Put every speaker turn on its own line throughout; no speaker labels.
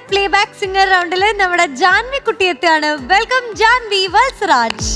Playback singer റൗണ്ടില് നമ്മുടെ ജാൻവി കുട്ടി എത്തിയാണ്. വെൽക്കം ജാൻവി വത്സരാജ്.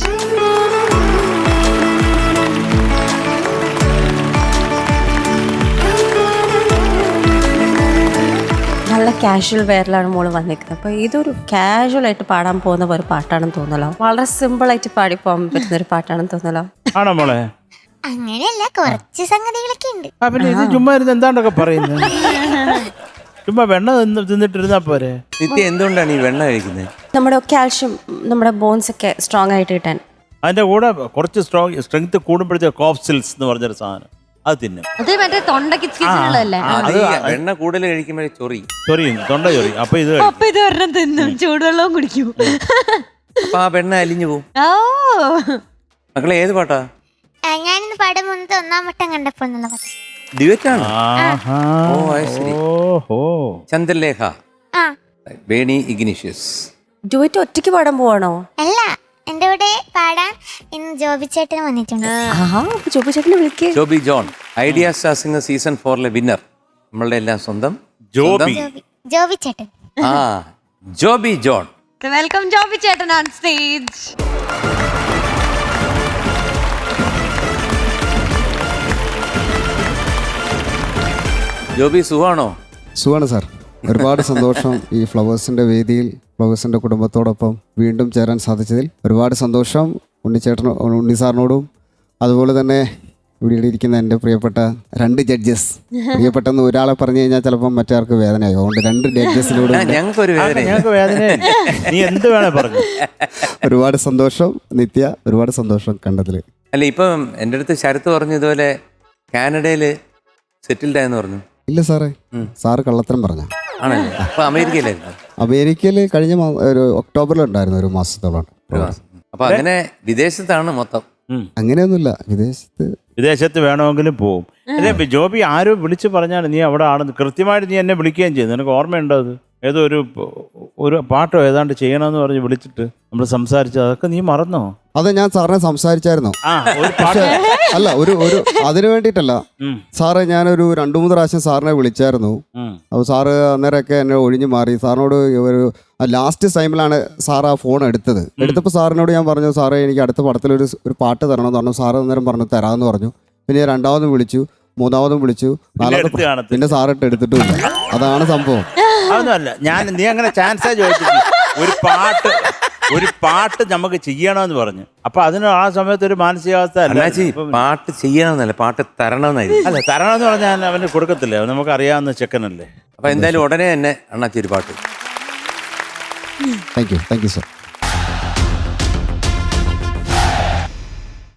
നല്ല കാഷ്വൽ വെയറിലാണ് മോള് വന്നിരിക്കുന്നത്. അപ്പോൾ ഇതൊരു കാഷ്വൽ ആയിട്ട് പാടാൻ പോകുന്ന ഒരു പാട്ടാണെന്ന് തോന്നലോ. വളരെ സിമ്പിൾ ആയിട്ട് പാടി പോകാൻ പറ്റുന്ന ഒരു പാട്ടാണെന്ന് തോന്നലോ.
ആണോ മോളെ?
അങ്ങനെയല്ല, കുറച്ച് സംഗതികളൊക്കെ ഉണ്ട്.
പിന്നെ ഇത് ചുമ്മാ ഇരുന്ന് എന്താണ്ടൊക്കെ പറയുന്നത്? ചുമ്മാ വെണ്ണ തിന്നിട്ടിരുന്നാ പോരെ.
നിത്യ എന്തുകൊണ്ടാണ് ഈ വെണ്ണ കഴിക്കുന്നത്?
നമ്മുടെ കാൽഷ്യം, നമ്മുടെ ബോൺസ് ഒക്കെ സ്ട്രോങ് ആയിട്ട് കിട്ടാൻ.
അതിന്റെ കൂടെ കുറച്ച് സ്ട്രെങ്ത് കൂടുമ്പോഴത്തെ കോഫ് സിൽസ് എന്ന് പറഞ്ഞൊരു സാധനം അത് തിന്നും.
അത് മറ്റേ തൊണ്ടക്ക് ഇച്ചിരിയുള്ളതല്ലേ?
അത് വെണ്ണ കൂടുതൽ കഴിക്കുമ്പോഴേ
ചൊറിയും, തൊണ്ട ചൊറി. അപ്പൊ ഇത്
അപ്പൊ ഇത് ഒരെണ്ണം തിന്നും, ചൂടുവെള്ളവും കുടിക്കും.
അപ്പൊ ആ വെണ്ണ അലിഞ്ഞു പോവും.
ഓ
മക്കളെ ഏത് പാട്ടാ?
ഞാനിന്ന് പാടും മുന്നത്തെ 1-ാം വട്ടം കണ്ടപ്പോൾ എന്നുള്ള പാട്ട്.
ഡ്യുവറ്റാണ്.
ഓ
ശരി.
ഓഹോ.
ചന്ദ്രലേഖ,
ആ
ബേണി ഇഗ്നീഷ്യസ്.
ഡുവറ്റ് ഒറ്റയ്ക്ക് പാടാൻ പോവാണോ?
അല്ല, എന്റെ കൂടെ പാടാൻ ഇന്ന് ജോബി ചേട്ടൻ വന്നിട്ടുണ്ട്.
ജോബി ചേട്ടനെ വിളിക്കേ.
ജോബി ജോൺ, ഐഡിയ സ്റ്റാർ സിംഗർ സീസൺ 4 വിന്നർ, നമ്മളുടെ എല്ലാം സ്വന്തം
ജോബി.
ജോബി ചേട്ടൻ.
ആ ജോബി ജോൺ.
വെൽക്കം ജോബി ചേട്ടൻ ഓൺ സ്റ്റേജ്.
ജോബി സുഖാണോ?
സുഖമാണ് സാർ. ഒരുപാട് സന്തോഷം ഈ ഫ്ലവേഴ്സിൻ്റെ വേദിയിൽ ഫ്ലവേഴ്സിൻ്റെ കുടുംബത്തോടൊപ്പം വീണ്ടും ചേരാൻ സാധിച്ചതിൽ ഒരുപാട് സന്തോഷം. ഉണ്ണി സാറിനോടും അതുപോലെ തന്നെ ഇവിടെ ഇരിക്കുന്ന എൻ്റെ പ്രിയപ്പെട്ട 2 ജഡ്ജസ്, പ്രിയപ്പെട്ടെന്ന് ഒരാളെ പറഞ്ഞു കഴിഞ്ഞാൽ ചിലപ്പം മറ്റാർക്ക് വേദനയാകും. അതുകൊണ്ട് 2 ജഡ്ജസിനോടും
ഞങ്ങൾക്കൊരു
ഞങ്ങൾക്ക് വേദന. നീ എന്ത് വേണേ പറഞ്ഞു.
ഒരുപാട് സന്തോഷം നിത്യ, ഒരുപാട് സന്തോഷം കണ്ടതിൽ.
അല്ല, ഇപ്പം എൻ്റെ അടുത്ത് ശരത്ത് പറഞ്ഞു ഇതുപോലെ കാനഡയിൽ സെറ്റിൽഡ് ആയെന്ന് പറഞ്ഞു.
ഇല്ല സാറേ, സാറ് കള്ളത്തരം പറഞ്ഞ.
ആണല്ലേ? അപ്പൊ അമേരിക്കയിലായിരുന്നു?
അമേരിക്കയിൽ കഴിഞ്ഞ ഒരു ഒക്ടോബറിലുണ്ടായിരുന്നു, ഒരു മാസത്തോളം.
അപ്പൊ അങ്ങനെ വിദേശത്താണ് മൊത്തം?
അങ്ങനെയൊന്നുമില്ല,
വിദേശത്ത് വേണമെങ്കിലും പോവും. അല്ലേ ജോബി, ആരും വിളിച്ചു പറഞ്ഞാൽ നീ അവിടെ ആണെന്ന് കൃത്യമായിട്ട് നീ എന്നെ വിളിക്കുകയും ചെയ്തു. നിനക്ക് ഓർമ്മയുണ്ടോ? അത് ഏതോ ഒരു പാട്ടോ ഏതാണ്ട് ചെയ്യണമെന്ന് പറഞ്ഞ് വിളിച്ചിട്ട് നമ്മൾ സംസാരിച്ചത്, അതൊക്കെ നീ മറന്നോ?
അത് ഞാൻ സാറിനെ സംസാരിച്ചായിരുന്നു.
ഒരു പാട്ട്
അല്ല, ഒരു അതിനു വേണ്ടിയിട്ടല്ല സാറേ. ഞാനൊരു 2-3 പ്രാവശ്യം സാറിനെ വിളിച്ചായിരുന്നു. അപ്പോൾ സാറ് അന്നേരമൊക്കെ എന്നെ ഒഴിഞ്ഞു മാറി. സാറിനോട് ഒരു ലാസ്റ്റ് ടൈമിലാണ് സാർ ആ ഫോൺ എടുത്തപ്പോൾ സാറിനോട് ഞാൻ പറഞ്ഞു, സാറേ എനിക്ക് അടുത്ത പടത്തിലൊരു പാട്ട് തരണമെന്ന് പറഞ്ഞു. സാറ് അന്നേരം പറഞ്ഞു തരാമെന്ന് പറഞ്ഞു. പിന്നെ 2ാമതും വിളിച്ചു, 3ാമതും വിളിച്ചു, 4ാമത് പിന്നെ സാറിട്ട് എടുത്തിട്ടുമില്ല. അതാണ് സംഭവം.
അതൊന്നുമല്ല, നീ അങ്ങനെ ചാൻസേ ചോദിച്ചില്ല. ഒരു പാട്ട് നമുക്ക് ചെയ്യണമെന്ന് പറഞ്ഞു. അപ്പൊ അതിന് ആ സമയത്ത് ഒരു മാനസികാവസ്ഥ
പാട്ട് ചെയ്യണമെന്നല്ല, പാട്ട് തരണമെന്നായിരുന്നു.
അല്ല, തരണമെന്ന് പറഞ്ഞാൽ അവന് കൊടുക്കത്തില്ലേ, നമുക്ക് അറിയാവുന്ന ചെക്കനല്ലേ.
അപ്പൊ എന്തായാലും ഉടനെ തന്നെ അണ്ണാച്ചി ഒരു പാട്ട്.
Thank you sir.